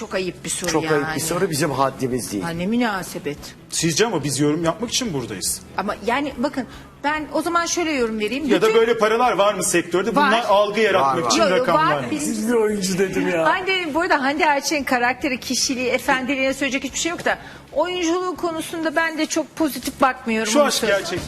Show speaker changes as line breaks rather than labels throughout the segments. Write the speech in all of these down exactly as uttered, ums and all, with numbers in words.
çok ayıp bir soru
Çok
yani.
ayıp bir soru, bizim haddimiz değil.
Ha, ne münasebet.
Sizce ama biz yorum yapmak için buradayız.
Ama yani bakın ben o zaman şöyle yorum vereyim.
Ya da
Bütün-
böyle paralar var mı sektörde? Bunlar
Var.
algı yaratmak
Var, var.
için
Yo, yo,
rakamlar
var.
mı?
Birinci-
Siz bir oyuncu dedim ya.
Hande, bu arada Hande Erçel'in karakteri, kişiliği, efendiliğine söyleyecek hiçbir şey yok da oyunculuğu konusunda ben de çok pozitif bakmıyorum.
Şu
onu
aşk
söyleyeyim.
gerçek.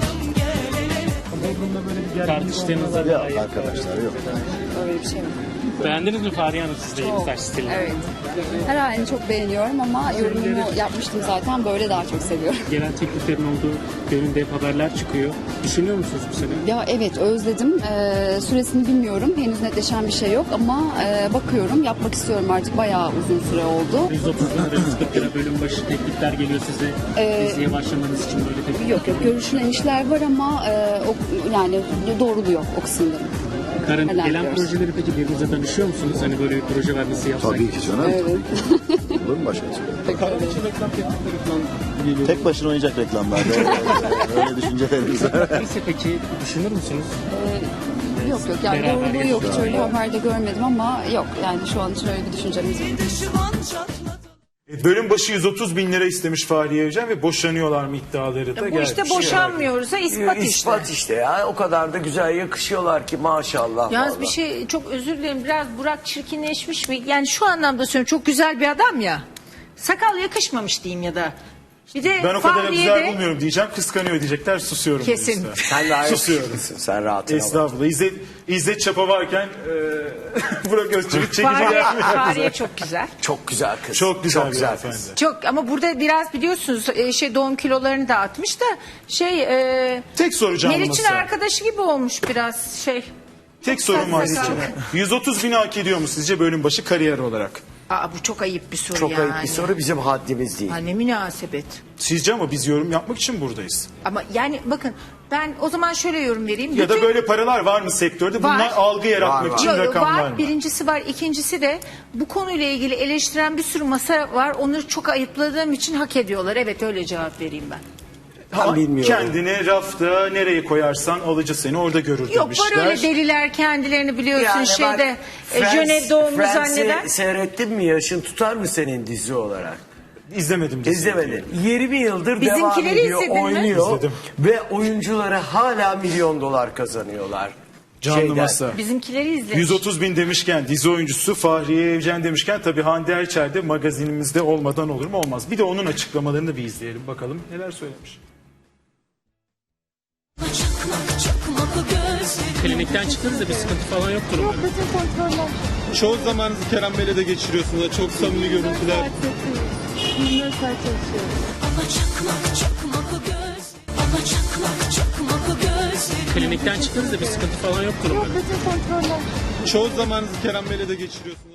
Tartıştığınızda
Yok arkadaşlar yok.
Öyle bir şey mi?
beğendiniz mi Fahriye Hanım siz de yeni saç stilini?
Evet. Her halini çok beğeniyorum ama yorumumu yapmıştım zaten. Böyle daha çok seviyorum.
Gelen tekliflerin olduğu yönünde hep haberler çıkıyor. Düşünüyor musunuz bu sene?
Ya evet, özledim. Ee, süresini bilmiyorum. Henüz netleşen bir şey yok ama e, bakıyorum. Yapmak istiyorum artık. Bayağı uzun süre oldu.
yüz otuz lira, yüz kırk lira bölüm başı teklifler geliyor size.
Ee,
Diziye başlamanız için böyle teklifler.
Yok yok, görüşülen işler var ama e, o, yani doğruluyor o kısımları.
Karın,
Neler
gelen
diyorsun?
projeleri peki birbirinize danışıyor musunuz? Hani böyle bir proje var nasıl yapsak?
Tabii ki canım.
Evet.
Olur mu başka türlü?
Karın için reklam teklifleri falan geliyor.
Tek başına oynayacak reklamlarda. Öyle düşüncelerimiz var.
Neyse peki düşünür müsünüz?
Yok yok, yani
Beraber
doğruluğu yok. Hiç
yaşıyorlar.
öyle haberde görmedim ama yok. Yani şu an için öyle bir düşüncemiz yok.
E, Bölüm başı yüz otuz bin lira istemiş Fahriye Evcen ve boşanıyorlar mı iddiaları da
Bu
gelmiş.
işte boşanmıyoruz ha, ispat işte.
İspat işte ya. O kadar da güzel yakışıyorlar ki maşallah.
Yalnız
vallahi.
bir şey, çok özür dilerim, biraz Burak çirkinleşmiş mi? Yani şu anlamda söylüyorum, çok güzel bir adam ya. Sakal yakışmamış diyeyim ya da. Bir de
Ben o kadar
Fahriye
güzel
de-
bulmuyorum diyeceğim. Kıskanıyor diyecekler. Susuyorum.
Kesin.
bu yüzden.
Sen daha
Susuyorum.
yakışıklısın. Sen rahatına bak.
Estağfurullah. İzzet, İzzet Çapa varken e, Burak Özçivit çekici
Fahriye,
gelmiyor.
Fahriye çok güzel.
Çok güzel kız.
Çok güzel bir
güzel
hanımefendi.
kız.
Çok, ama burada biraz biliyorsunuz e, şey doğum kilolarını da atmış da şey e,
Tek soracağım
Meriç'in
masa.
arkadaşı gibi olmuş biraz şey.
Tek sorum var
Sakal.
sizce. yüz otuz bini hak ediyor mu sizce bölüm başı kariyer olarak?
Aa, bu çok ayıp bir soru
Çok
yani.
ayıp bir soru, bizim haddimiz değil.
Ha, ne münasebet.
Sizce ama biz yorum yapmak için buradayız.
Ama yani bakın ben o zaman şöyle yorum vereyim.
Ya da
Bütün-
böyle paralar var mı sektörde? Bunlar
Var.
algı yaratmak
Var, var.
için
Yo, yo,
rakamlar
var.
mı?
Birincisi var. İkincisi de bu konuyla ilgili eleştiren bir sürü masa var. Onu çok ayıpladığım için hak ediyorlar. Evet, öyle cevap vereyim ben.
Ben bilmiyorum.
Kendini rafta nereye koyarsan alıcı seni orada görür
Yok,
demişler.
var öyle deliler kendilerini biliyorsun
Yani
şeyde
bak,
e, Jönev doğumlu
Friends'i
zanneden.
seyrettin mi? Yaşın tutar mı senin dizi olarak?
İzlemedim diziyi.
İzlemedin. yirmi yıldır devam
Bizimkileri
ediyor,
izledin mi?
oynuyor.
İzledim.
Ve oyuncuları hala milyon dolar kazanıyorlar.
Canlı
Şeyden.
masa.
Bizimkileri izlemiş.
yüz otuz bin demişken dizi oyuncusu Fahriye Evcen demişken tabii Hande Erçel de magazinimizde olmadan olur mu? Olmaz. Bir de onun açıklamalarını bir izleyelim bakalım neler söylemiş.
Klinikten çıktığınızda bir sıkıntı falan yoktur umarım.
Çoğu zamanınızı Kerem Bey'le de geçiriyorsunuz. Çok samimi görüntüler.
Klinikten çıktığınızda bir sıkıntı falan yoktur umarım.
Çoğu zamanınızı Kerem Bey'le de geçiriyorsunuz.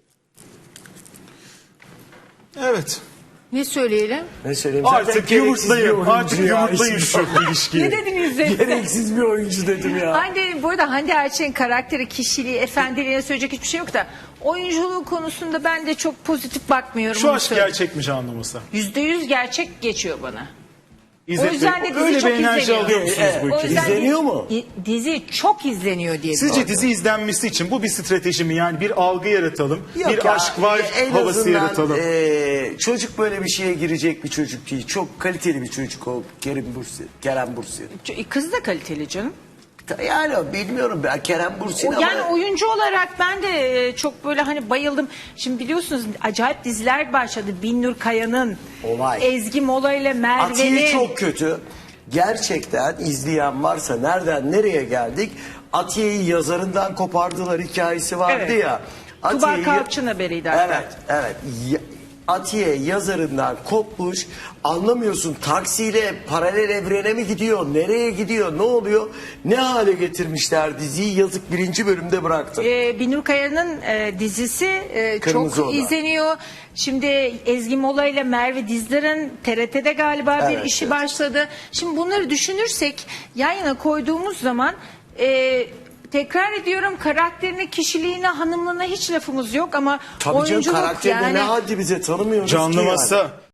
Ne
Evet.
söyleyelim?
Ne söyleyeyim? Zaten
Artık
gereksiz bir
yumurtlayın.
oyuncu
Artık
ya,
yumurtlayın
işin
şu ilişkiyi.
Ne dediniz de?
Gereksiz bir oyuncu dedim ya.
Hande, bu arada Hande Erçel'in karakteri, kişiliği, efendiliğine söyleyecek hiçbir şey yok da oyunculuğu konusunda ben de çok pozitif bakmıyorum.
Şu
onu
aşk
söyleyeyim.
gerçek mi canlıması?
Yüzde yüz gerçek geçiyor bana.
İzzet
O yüzden
Bey,
de dizi
öyle
çok
bir enerji
izleniyor.
alıyor musunuz
Evet,
bu
O
ülkede?
yüzden
İzleniyor
dizi-
mu?
di- Dizi çok izleniyor diye.
Sizce dizi izlenmesi için bu bir strateji mi? Yani bir algı yaratalım,
Yok
bir
ya,
aşk var
en
havası
azından,
yaratalım.
e, çocuk böyle bir şeye girecek bir çocuk değil. Çok kaliteli bir çocuk o Kerem Bursi. Kerem Bursi.
Ç- Kız da kaliteli canım.
Yani bilmiyorum ben Kerem Bursi'nin
O,
ama...
yani oyuncu olarak ben de e, çok böyle hani bayıldım. Şimdi biliyorsunuz acayip diziler başladı. Binnur Kaya'nın,
Olay.
Ezgi Mola ile
Atiye
Merve'nin.
çok kötü. Gerçekten izleyen varsa nereden nereye geldik? Atiye'yi yazarından kopardılar hikayesi vardı
Evet.
ya.
Tuba
Atiye'yi-
Kalpçı'nın haberiydi hatta.
Evet, evet. Ya- Atiye yazarından kopmuş. Anlamıyorsun, taksiyle paralel evrene mi gidiyor? Nereye gidiyor? Ne oluyor? Ne hale getirmişler diziyi? Yazık, birinci bölümde bıraktım.
Ee, Binur Kaya'nın e, dizisi e,
Kırmızı
çok
Oda.
izleniyor. Şimdi Ezgi Mola ile Merve Dizdar'ın T R T'de galiba bir
Evet,
işi
evet.
başladı. Şimdi bunları düşünürsek yan yana koyduğumuz zaman e, tekrar ediyorum, karakterine, kişiliğine, hanımlığına hiç lafımız yok ama
Tabii canım,
oyunculuk
karakterine
yani.
ne haddi bize tanımıyoruz
Canlı
ki yani.
masa